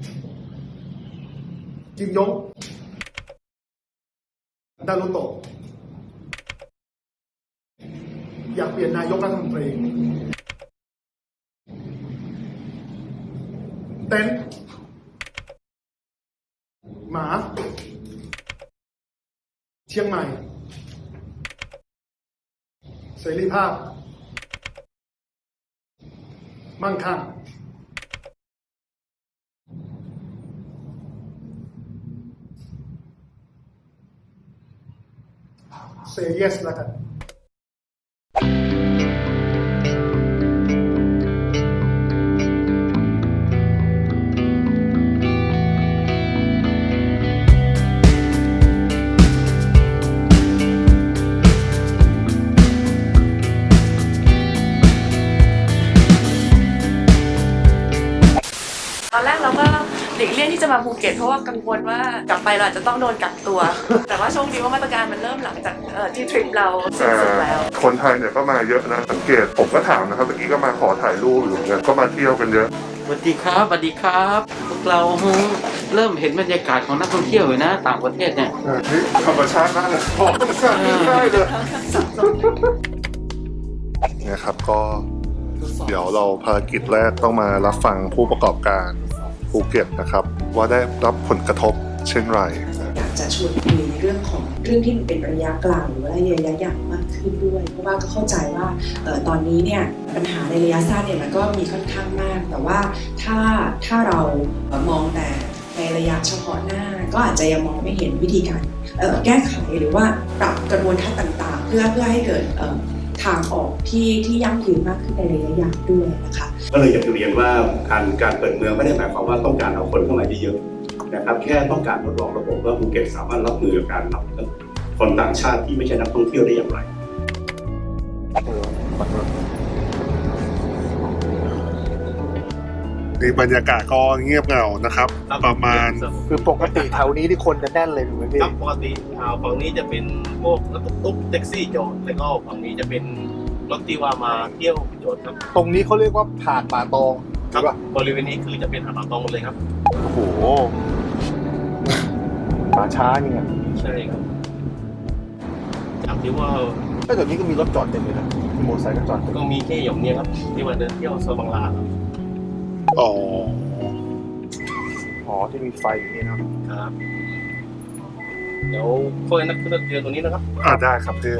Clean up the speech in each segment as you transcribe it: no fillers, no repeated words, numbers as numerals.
กิมยงดารุโตะอยากเปลี่ยนนายกรัฐมนตรีเต็นหมาเชียงใหม่เสรีภาพมั่งคั่งเซย์เยสแล้วกันตอนแรกเราก็หลีกเลี่ยงที่จะมาภูเก็ตเพราะว่ากังวลว่ากลับไปเราอาจจะต้องโดนกักตัว แต่ว่าโชคดีว่ามาตรการมันเริ่มหลังจากที่ทริปเราสิ้นสุดแล้วคนไทยเนี่ยก็มาเยอะนะสังเกตผมก็ถามนะครับเมื่อกี้ก็มาขอถ่ายรูปอยู่เนี่ยก็มาเที่ยวกันเยอะสวัสดีครับสวัสดีครับพวกเราเริ่มเห็นบรรยากาศของนักท่องเที่ยวเลยนะต่างประเทศเนี่ยนี่ธรรมชาติมากเลยธรรมชาติได้เลยเนี่ยครับก็เดี๋ยวเราภารกิจแรกต้องมารับฟังผู้ประกอบการภูเก็ตนะครับว่าได้รับผลกระทบเช่นไรอยากจะชวนคุยในเรื่องของเรื่องที่มันเป็นระยะกลางหรือว่าระยะยาวมากขึ้นด้วยเพราะว่าก็เข้าใจว่าตอนนี้เนี่ยปัญหาในระยะสั้นเนี่ยมันก็มีค่อนข้างมากแต่ว่าถ้าเรามองแต่ในระยะเฉพาะหน้าก็อาจจะยังมองไม่เห็นวิธีการแก้ไขหรือว่าปรับกระบวนการต่างๆเพื่อให้เกิดทางออกที่ยั่งยืนมากขึ้นในระยะยาวด้วยนะคะก็เลยอยากจะเรียนว่าการเปิดเมืองไม่ได้หมายความว่าต้องการเอาคนเข้ามาเยอะๆนะครับแค่ต้องการทดลองระบบว่าภูเก็ตสามารถรับมือกับการรับคนต่างชาติที่ไม่ใช่นักท่องเที่ยวได้อย่างไรนี่บรรยากาศก็เงียบเหงานะครับประมาณคือปกติแถวนี้ที่คนจะแน่นเลยถูกไหมพี่ครับปกติฝั่งนี้จะเป็นพวกรถตุ๊กแท็กซี่จอดแล้วก็ฝั่งนี้จะเป็นรถที่ว่ามาเที่ยวจอดครับตรงนี้เขาเรียกว่าหาดป่าตองครับบริเวณนี้คือจะเป็นหาดป่าตองหมดเลยครับโอ้โหป่าช้าเนี่ยใช่ครับจากที่ว่าก็แถวนี้ก็มีรถจอดเต็มเลยนะมีมอเตอร์ไซค์ก็จอดเต็มก็มีแค่อย่างเนี้ยครับที่มาเดินเที่ยวโซนบางลาครับอ๋อที่มีไฟอยู่นี่นะครับเดี๋ยวพวกนักท่องเที่ยวตรงนี้นะครับได้ครับพี่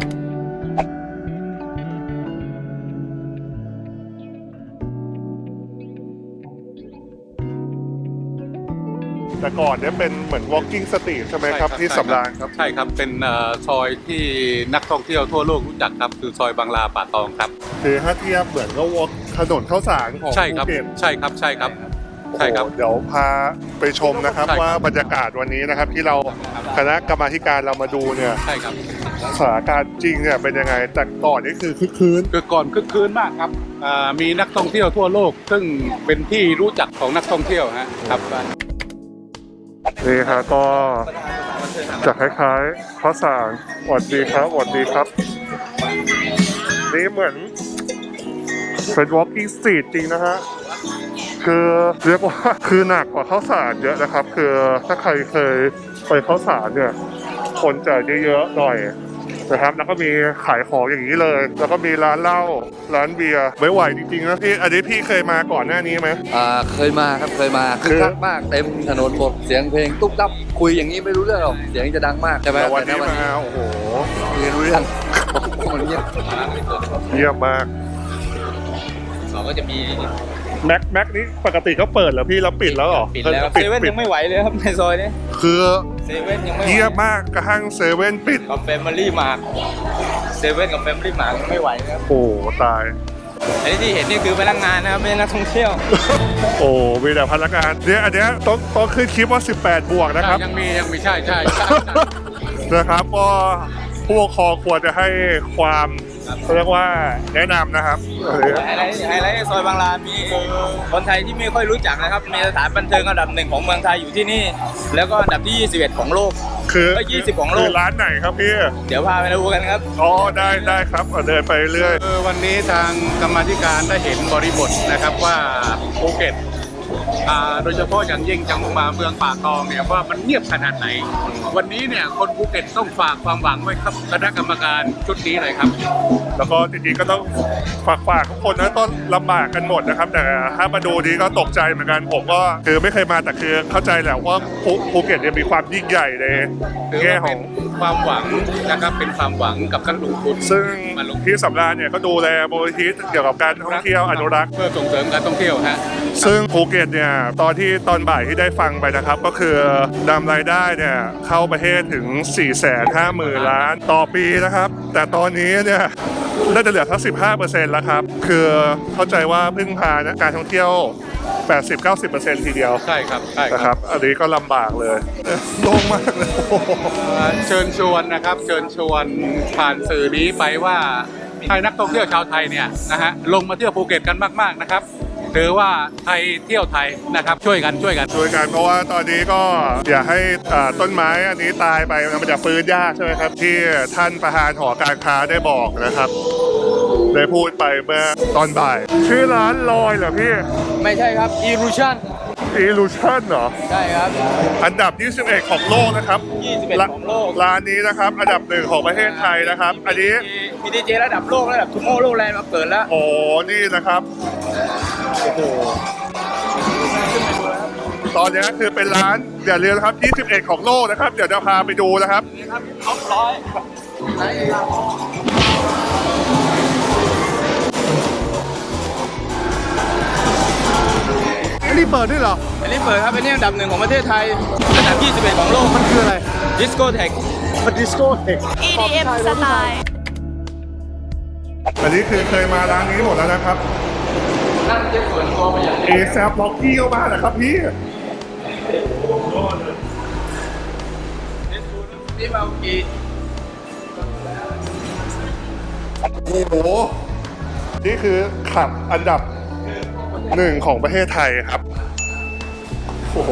แต่ก่อนเนี่ยเป็นเหมือน walking street ใช่ไหมครับที่สำราญครับใช่ครับเป็นซอยที่นักท่องเที่ยวทั่วโลกรู้จักครับคือซอยบางลาป่าตองครับคือถ้าเทียบเหมือนก็ walk ถนนข้าวสารของใช่ครับภูเก็ตใช่ครับใช่ครับใช่ครับโอ้โหเดี๋ยวพาไปชมนะครับใช่ครับว่าบรรยากาศวันนี้นะครับที่เราคณะกรรมาธิการเรามาดูเนี่ยใช่ครับสถานการณ์จริงเนี่ยเป็นยังไงแต่ก่อนนี่คือคึกคืนคือก่อนคึกคืนมากครับมีนักท่องเที่ยวทั่วโลก ซึ่งเป็นที่รู้จักของนักท่องเที่ยวครับนี่ฮะก็จะคล้ายๆข้าวสารหวัดดีครับหวัดดีครับ นี่เหมือนเป็น walking street จริงนะฮะคือเรียกว่าคือหนักกว่าข้าวสารเยอะนะครับคือถ้าใครเคยไปข้าวสารเนี่ยคนจะเยอะๆหน่อยนะครับแล้วก็มีขายของอย่างนี้เลย แล้วก็มีร้านเหล้าร้านเบียร์ไม่ไหวจริงๆนะพี่อันนี้พี่เคยมาก่อนหน้านี้ไหมเคยมาครับเคยมาคือคักมากเต็มถนนหมดเสียงเพลงตุ๊บตับคุยอย่างนี้ไม่รู้เรื่องหรอกเสียงจะดังมากใช่ไหมแต่วันนี้แต่มาโอ้โหคุยรู้เรื่องมันเงียบเยี่ยมมากก็จะมีแม็กนี่ปกติเขาเปิดแล้วพี่แล้วปิดแล้วเหรอปิดแล้วเซเว่นยังไม่ไหวเลยครับในซอยนี้คือเซเว่นยังไม่ไหวเยี่ยมมากกระทั่งเซเว่นปิดกับแฟมิลี่มาร์ทเซเว่นกับแฟมิลี่มาร์ทไม่ไหวนะครับโอ้ตายอันนี้ที่เห็นนี่คือพนักงานนะครับไม่ใช่นักท่องเที่ยวโอ้มีแต่พนักงานเนี่ยอันเนี้ยต้องขึ้นคลิปว่า18 บวกนะครับยังมีใช่นะครับก็ผู้ปกครองควรจะให้ความเรียกว่าแนะนำนะครับไฮไลท์ซอยบางลามีคนไทยที่ไม่ค่อยรู้จักนะครับมีสถานบันเทิงอันดับ 1ของเมืองไทยอยู่ที่นี่ แล้วก็อันดับที่21ของโลกคือก็20ของโลกคือร้านไหนครับพี่เดี๋ยวพาไปดูกันครับอ๋อได้ครับเดินไปเรื่อยวันนี้ทางกรรมาธิการได้เห็นบริบทนะครับว่าภูเก็ตโดยเฉพาะอย่างยิ่งจังหวัดเมืองป่าตองเนี่ยว่ามันเงียบขนาดไหน วันนี้เนี่ยคนภูเก็ตต้องฝากความหวังไว้ครับคณะกรรมการชุดนี้เลยครับแล้วก็จริงๆก็ต้องฝากทุกคนนะต้นลำบากกันหมดนะครับแต่ถ้ามาดูนี้ก็ตกใจเหมือนกันผมก็คือไม่เคยมาแต่คือเข้าใจแหละว่าภูเก็ตเนี่ยมีความยิ่งใหญ่ในแง่ของความหวังนะครับเป็นความหวังกับนักลงทุนซึ่งมาลงพี่สำราญเนี่ยก็ดูแลมูลนิธิเกี่ยวกับการท่องเที่ยวอนุรักษ์เพื่อส่งเสริมการท่องเที่ยวฮะซึ่งภูเก็ตเนี่ยตอนบ่ายที่ได้ฟังไปนะครับก็คือนำรายได้เนี่ยเข้าประเทศถึง 450,000 ล้านต่อปีนะครับแต่ตอนนี้เนี่ยน่าจะเหลือแค่ 15% แล้วครับคือเข้าใจว่าพึ่งพานะการท่องเที่ยว 80-90% ทีเดียวใช่ครับใช่นะคครัรับบอันนี้ก็ลำบากเลยโล่งมากเลยโอ้โหเชิญชวนนะครับเชิญชวนผ่านสื่อนี้ไปว่าให้นักท่องเที่ยวชาวไทยเนี่ยนะฮะลงมาเที่ยวภูเก็ตกันมากๆนะครับถือว่าไทยเที่ยวไทยนะครับช่วยกันช่วยกันเพราะว่าตอนนี้ก็อย่าให้ต้นไม้อันนี้ตายไปมันจะฟื้นยากใช่ไหมครับที่ท่านประธานหอการค้าได้บอกนะครับได้พูดไปเมื่อตอนบ่ายชื่อร้านลอยเหรอพี่ไม่ใช่ครับ Illusion Illusion เหรอใช่ครับอันดับ 21 ของโลกนะครับ 21ของโลกร้านนี้นะครับอันดับ 1 ของประเทศไทยนะครับ อันนี้มีดีเจระดับโลกระดับทูโมโลแลนด์มาเปิดแล้วโอ้นี่นะครับโอ้โหตอนนี้คือเป็นร้านอย่าลืมนะครับ 21 ของโลกนะครับเดี๋ยวจะพาไปดูนะครับท็อปร้อยอันนี้เปิดด้วยเหรออันนี้เปิดครับเป็นอันดับ 1ของประเทศไทยอันดับ 21 ของโลกมันคืออะไรดิสโก้เทคมันดิสโก้เทค EDM สไตล์อันนี้คือเคยมาร้านนี้หมดแล้วนะครับนั่งเจ็บส่วนตัวไปอย่างเอแซบล็อกกี้เข้ามานะครับพี่นี่มากี่โอ้โหนี่คือขับอันดับ 1 ของประเทศไทยครับโอ้โห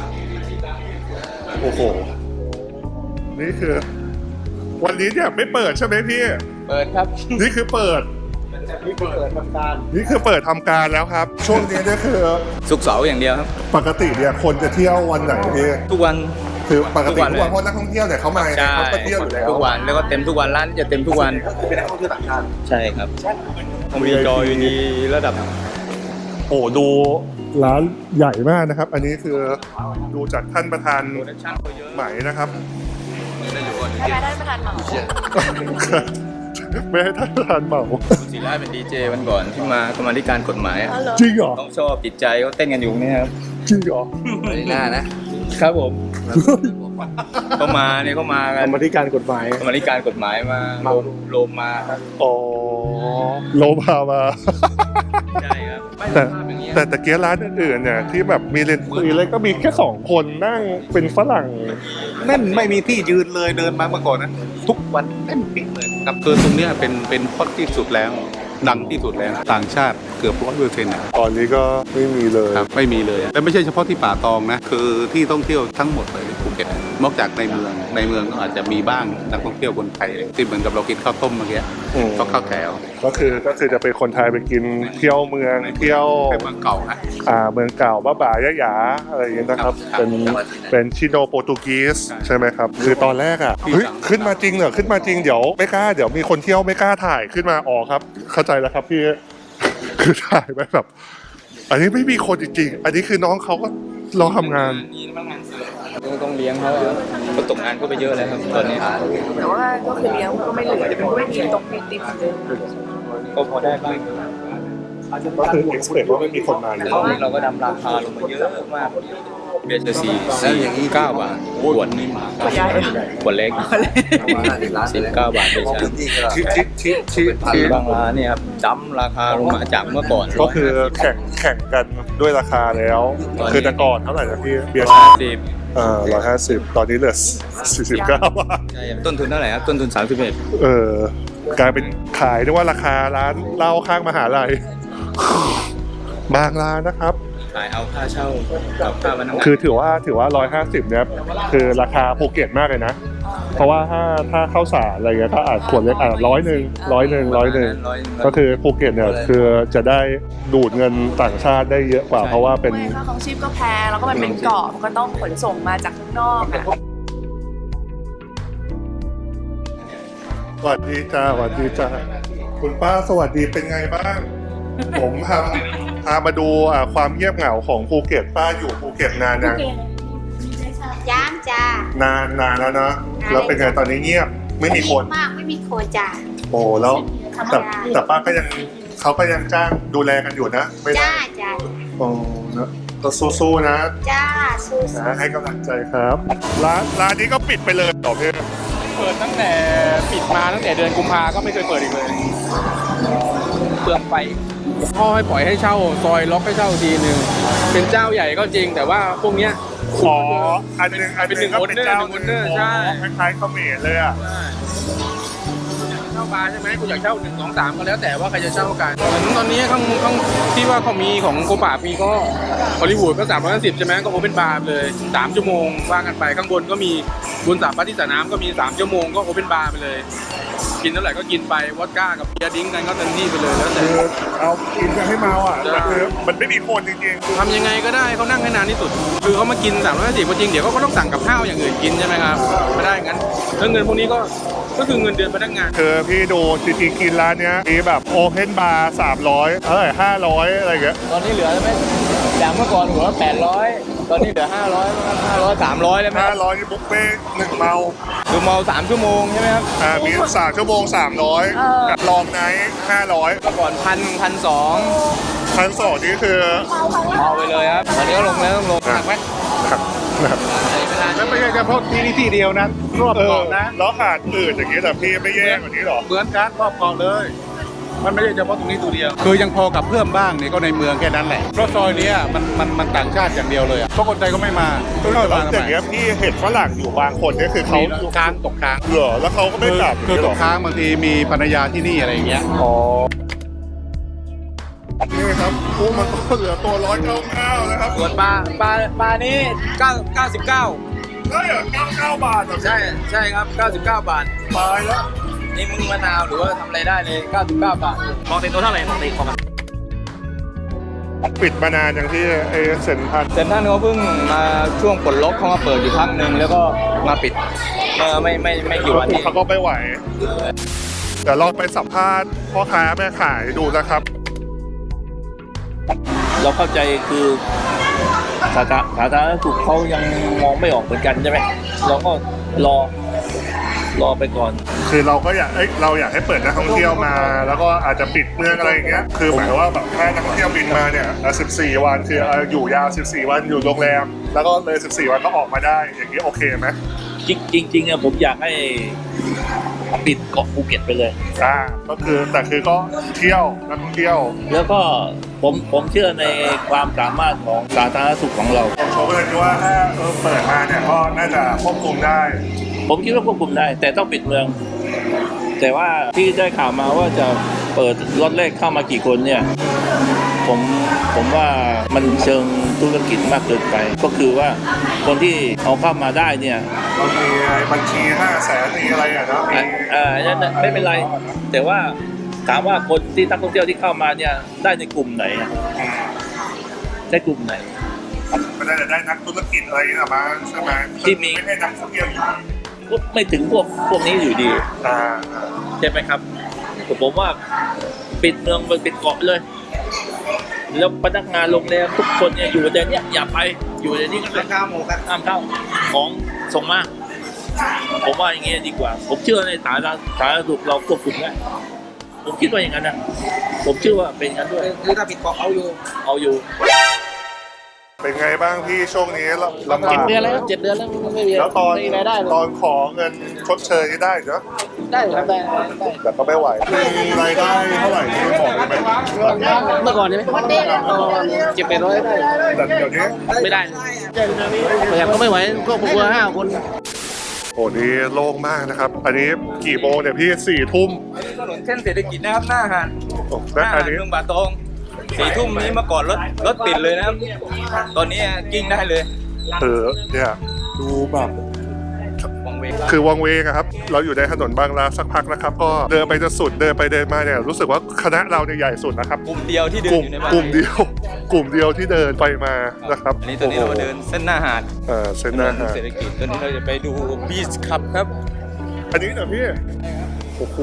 โอ้โหนี่คือวันนี้เนี่ยไม่เปิดใช่ไหมพี่เปิดครับนี่คือเปิดนี่เปิดทำการนี่คือเปิดทำการแล้วครับ ช่วงนี้เนี่ยคือสุกเสาร์อย่างเดียวครับปกติเนี่ยคนจะเที่ยววันไหนพี่ทุกวันคือปกติทุทุกกวัวัน นเพราะนักท่องเที่ยวเนี่ยเขามาใช่เขาก็เที่ยวอยู่แล้วทุกวันแล้วก็เต็มทุกวันร้านจะเต็มทุกวันเป็นนักท่องเที่ยวต่างชาติใช่ครับมีจออยู่ดีระดับโอ้ดูร้านใหญ่มากนะครับ อันนี้คือดูจากท่านประธานไหมนะครับให้ได้ประธานเหมาไม่ให้ท่านประธานเหมาศิลาเป็นดีเจวันก่อนที่มากรรมาธิการกฎหมายอะจริงเหรอต้องชอบจิตใจเขาเต้นกันอยู่เนี่ยครับจริงเหรอไม่ได้หน้านะครับผมเขามาเนี่ยเขามากันกรรมาธิการกฎหมายกรรมาธิการกฎหมายมาโลมมาครับอ๋อโลพามาใช่ครับไม่แต่ภาพอย่างเงี้ยแต่เกียร์ร้านอื่นๆเนี่ยที่แบบมีเลนส์คุยเลยก็มีแค่2 คนนั่งเป็นฝรั่งแน่นไม่มีที่ยืนเลยเดินมาเมื่อก่อนนะทุกวันแน่นปิ๊งเลยครับคือตรงเนี้ยเป็นฮอตที่สุดแล้วดังที่สุดแล้วต่างชาติเกือบ100%นะตอนนี้ก็ไม่มีเลยครับไม่มีเลยและไม่ใช่เฉพาะที่ป่าตองนะคือที่ท่องเที่ยวทั้งหมดเลยในภูเก็ตนอกจากในเมืองก็อาจจะมีบ้างนักท่องเที่ยวคนไทยที่เหมือนกับเรากินข้าวต้มเมื่อกี้อืมก็ข้าวแถวก็คือจะเป็นคนไทยไปกินเที่ยวเมืองเที่ยวเป็นเมืองเก่าฮะเมืองเก่าบ้าบ่ายะหยาอะไรอย่างเงี้ยนะครับครับเป็นชิโนโปรตุกีสใช่ไหมครับ คือตอนแรกเฮ้ยขึ้นมาจริงเหรอขึ้นมาจริงเดี๋ยวไม่กล้าเดี๋ยวมีคนเที่ยวไม่กล้าถ่ายขึ้นมาออกครับ เข้าใจแล้วครับพี่ คือถ่ายไปแบบ อันนี้ไม่มีคนจริงๆอันนี้คือน้องเขาก็รอทำงานนี่พนักงานเสิร์ฟต้องเลี้ยงเขาอะเขาตกงานก็ไปเยอะแล้วครับตอนนี้แต่ว่าก็คือเลี้ยงก็ไม่เหลือมันก็ไม่มีตรงมีติมเดิมก็พอได้บ้างก็คือ expect ว่าไม่มีคนมาอยู่ตอนนี้เราก็ดำราคาลงมาเยอะมากเบียร์จะ49 บาทขวดนี้ขวดเล็ก19 บาทเลยใช่ที่บางร้านเนี่ยครับจำราคาลงมาจากเมื่อก่อนก็คือแข่งกันด้วยราคาแล้ว คือแต่ก่อนเท่าไหร่นะพี่เบียร์ 50 150 ตอนนี้เหลือ49 บาทใช่ต้นทุนเท่าไหร่ครับต้นทุน31 กลายเป็นขายด้วยว่าราคาร้านเหล้าข้างมหาลัย บางร้านนะครับขายเอาค่าเช่ากับค่าพนักงานคือถือว่า150เนี่ยคือราคาภูเก็ตมากเลยนะเพราะว่าถ้าข้าวสารอะไรเงี้ยก็อาจขวดเล็กอาจ100ก็คือภูเก็ตเนี่ยคือจะได้ดูดเงินต่างชาติได้เยอะกว่าเพราะว่าเป็นค่าของชีพก็แพงแล้วก็มันเป็นเกาะมันก็ต้องขนส่งมาจากข้างนอกอะสวัสดีจ้าสวัสดีจ้าคุณป้าสวัสดีเป็นไงบ้าง ผมพามาดูความเงียบเหงาของภูเก็ตป้าอยู่ภูเก็ตนานยังย่างจ้านานแล้วนะแล้วเป็นไงตอนนี้เงียบไม่มีคนมากไม่มีคนจ้าโอ้แล้วแต่ป้าก็ยังเขาก็ยังจ้างดูแลกันอยู่นะไม่ได้จ้าโอ้นะก็สู้ๆนะจ้าสู้นะให้กำลังใจครับร้านนี้ก็ปิดไปเลยต่อเพื่อนเปิดตั้งแต่ปิดมาตั้งแต่เดือนกุมภาก็ไม่เคยเปิดอีกเลยเปลืองไฟพ่อให้ปล่อยให้เช่าซอยล็อกให้เช่าทีหนึ่งเป็นเจ้าใหญ่ก็จริงแต่ว่าพวกเนี้ยอ๋ออันหนึงก็เป็นเจ้าหนึ่งคนเนอร์ใช่คล้ายๆเขมรเลยอ่ะเช่าบาร์ใช่ไหมกูอยากเช่า1 2 3ก็แล้วแต่ว่าใครจะเช่ากันเหมือนตอนนี้ข้างที่ว่าเขามีของโกป่ามีก็ฮอลลีวูดก็350ใช่ไหมก็โอเพ่นบาร์เลย3 ชั่วโมงว่ากันไปข้างบนก็มีบนสระพัดที่สระน้ำก็มี3 ชั่วโมงก็โอเพ่นบาร์ไปเลยกินเท่าไหร่ก็กินไปวอดก้ากับเบียร์ดิ้งกันก็เต็มที่ไปเลยแล้วแต่คือเอากินกันให้เมาอ่ะแต่คือมันไม่มีคนจริงทำยังไงก็ได้เขานั่งให้นานที่สุดคือเขามากิน350ก็จริงเดี๋ยวเขาก็ต้องสั่งกับข้าวอย่างอื่นกินใช่ไหมครับไม่ได้งั้นแล้วเงินพวกนี้ก็คือเงินเดือนพนักงานๆคือพี่ดูจริงๆกินร้านเนี้ยมีแบบโอเพนบาร์300500อะไรอย่างเงี้ยตอนนี้เหลือไหมจากเมื่อก่อนหัว800ตอนนี้เหลือ500 300แล้วไหม 500นี่บุฟเฟ่ต์1เมาคือเมา3 ชั่วโมงใช่ไหมครับมี3 ชั่วโมง300กับลองไนท์500 เมื่อก่อน1,200 1,200นี่คือเมาไปเลยครับตอนนี้ก็ลงแล้วต้องลงหนักไหมครับแล้วไม่ใช่เฉพาะที่นี่ที่เดียวนะรอบเกาะนะแล้วขาดอื่นอย่างนี้แต่พี่ไม่แย่กว่านี้หรอเหมือนกันรอบเกาะเลย มันไม่ใช่เฉพาะตรงนี้ตัวเดียวคือยังพอกับเพิ่มบ้างเนี่ยก็ในเมืองแค่นั้นแหละเพราะซอยนี้มันต่างชาติอย่างเดียวเลยเพราะคนไทยก็ไม่มาแล้วอย่างเงี้ยพี่เห็นฝรั่งอยู่บางคนเนี่ยคือเขาค้างตกค้างเหรอแล้วเขาก็ไม่กลับคือตกค้างบางทีมีภรรยาที่นี่อะไรอย่างเงี้ยอ๋อนี่ครับกุ้งมันก็เหลือตัว199นะครับส่วนปลานี้99 ได้เหรอ99 บาทเหรอใช่ครับ99 บาทตายแล้วนี่มึงมะนาวหรือว่าทำอะไรได้เลย99 บาทปกติตัวเท่าไหร่ปกติของมันปิดมานานอย่างที่ไอ้เซ็นทรัลเซ็นทรัลเขาเพิ่งมาช่วงปลดล็อกเขามาเปิดอยู่พักหนึ่งแล้วก็มาปิดไม่กี่วันนี้เขาก็ไม่ไหวเดี๋ยวลองไปสัมภาษณ์พ่อค้าแม่ขายดูนะครับเราเข้าใจคือสาธารณสุขเขายังมองไม่ออกเหมือนกันใช่ไหมเราก็รอไปก่อนคือเราก็อยากเราอยากให้เปิดนักท่องเที่ยวมา แล้วก็อาจจะปิดเมืองอะไรอย่างเงี้ยคือหมายว่าแบบถ้านักท่องเที่ยวบินมาเนี่ย14 วันคืออยู่ยาว14 วันอยู่โรงแรมแล้วก็เลย14 วันก็ออกมาได้อย่างนี้โอเคไหมจริงๆเนี่ยผมอยากให้ปิดเกาะภูเก็ตไปเลยก็คือแต่คือก็เที่ยวนักท่องเที่ยวแล้วก็ผมเชื่อในความสามารถของสาธารณสุขของเราโชว์เลยว่าถ้าเปิดมาเนี่ยก็น่าจะควบคุมได้ผมคิดว่าควบคุมได้ แต่ต้องปิดเมือง แต่ว่าที่ได้ข่าวมาว่าจะเปิดล็อตแรกเข้ามากี่คนเนี่ยผมว่ามันเชิงธุรกิจมากเกินไป ก็คือว่าคนที่เอาเข้ามาได้เนี่ยมันมีบัญชี500,000มีอะไรอ่ะนะมีนั่นน่ะไม่เป็นไร แต่ว่าถามว่าคนที่นักท่องเที่ยวที่เข้ามาเนี่ยได้ในกลุ่มไหนอะได้กลุ่มไหนไม่ได้นักธุรกิจอะไรนะมาใช่ไหมที่มีไม่ใช่นักท่องเที่ยวอยู่ก็ไม่ถึงพวกนี้อยู่ดี ใช่ไหมครับผมว่าปิดเมืองปิดเกาะเลยแล้วพนักงานโรงแรมทุกคนเนี่ยอยู่ในนี้อย่าไปอยู่ในนี้ก็ได้ห้ามเข้าของส่งมาผมว่าอย่างเงี้ยดีกว่าผมเชื่อในสาธารณสุขเราควบคุมได้ผมคิดว่าอย่างนั้นนะผมเชื่อว่าเป็นอย่างนั้นด้วยคือถ้าปิดเกาะเอาอยู่เป็นไงบ้างพี่ช่วงนี้ลำบาก 7 เดือนแล้วไม่มีแล้วตอนรายได้ตอนขอเงินชดเชยนี่ได้เนาะได้ครับได้แต่ก็ไม่ไหวมีรายได้เท่าไหร่ที่บอกได้ไหมเมื่อก่อนใช่ไหม700-800ได้แต่เดี๋ยวนี้ไม่ได้ประหยัดก็ไม่ไหวก็พวกเรา5 คนโอ้นี่โล่งมากนะครับ อันนี้กี่โมงเนี่ยพี่4 ทุ่มถนนเส้นเศรษฐกิจนะครับหน้าหาดและอันนี้เมืองบาตอง4 ทุ่มนี้เมื่อก่อนรถติดเลยนะครับตอนนี้กิ้งได้เลยเนี่ยดูแบบวังเวงคือวังเวงอะครับเราอยู่ในถนนบางนาสักพักนะครับก็เดินไปจนสุดเดินไปเดินมาเนี่ยรู้สึกว่าคณะเราเนี่ยใหญ่สุดนะครับกลุ่มเดียวที่เดินอยู่ในบ้านกลุ่มเดียวที่เดินไปมานะครับอันนี้ตอนนี้เรามาเดินเส้นหน้าหาดเส้นหน้าหาดเศรษฐกิจตอนนี้เราจะไปดูบีชคลับครับอันนี้เหรอพี่โอ้โห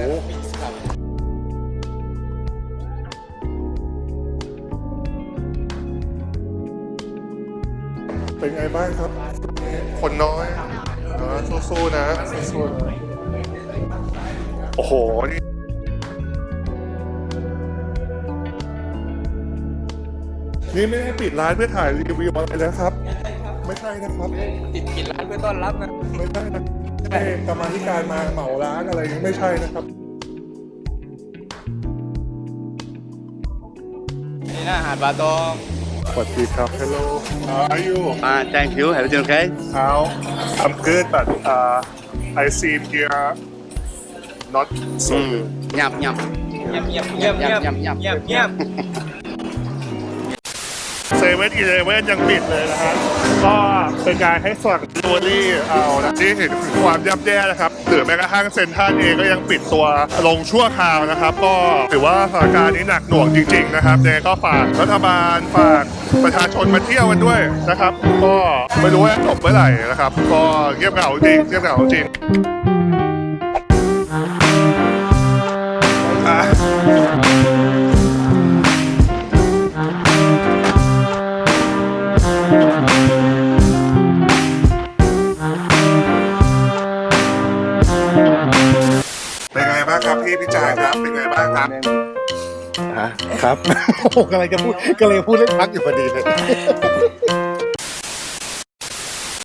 เป็นไงบ้างครับ คนน้อยสู้ๆนะสู้ๆนะโอ้โหนี่ไม่ได้ปิดร้านเพื่อถ่ายรีวิวอะไรนะครับ ไม่ใช่นะครับปิดร้านเพื่อต้อนรับนะไม่ใช่นะไม่ใช่กรรมาธิการมาเหมาร้านอะไรนี้ไม่ใช่นะครับนี่หน้าหาดบาตองสวัสดีครับ Hello How are you Thank you everything okay How I'm good but I seem here not so good เงียบเงียบเงียบเงียบเงียบเงียบเงียบเงียบเซเว่นอีเลเว่นยังปิดเลยนะฮะก็เป็นการให้ฝั่งดูรี่เอานะที่เห็นถึงความย่ำแย่นะครับหรือแม้กระทั่งเซ็นทรัลเองก็ยังปิดตัวลงชั่วคราวนะครับ ก็ถือว่าสถานการณ์นี้หนักหน่วงจริงๆนะครับเนี่ยก็ฝากรัฐบาลฝากประชาชนมาเที่ยวกันด้วยนะครับ ก็ไม่รู้ว่าจบเมื่อไหร่นะครับ ก็เงียบเหงาจริงเงียบเหงาจริงอ่ะเป็นไงบ้างครับพี่พิจารณ์ครับเป็นไงบ้างครับครับ โอ้โหกำลังจะพูดเล่นพักอยู่พอดีเลย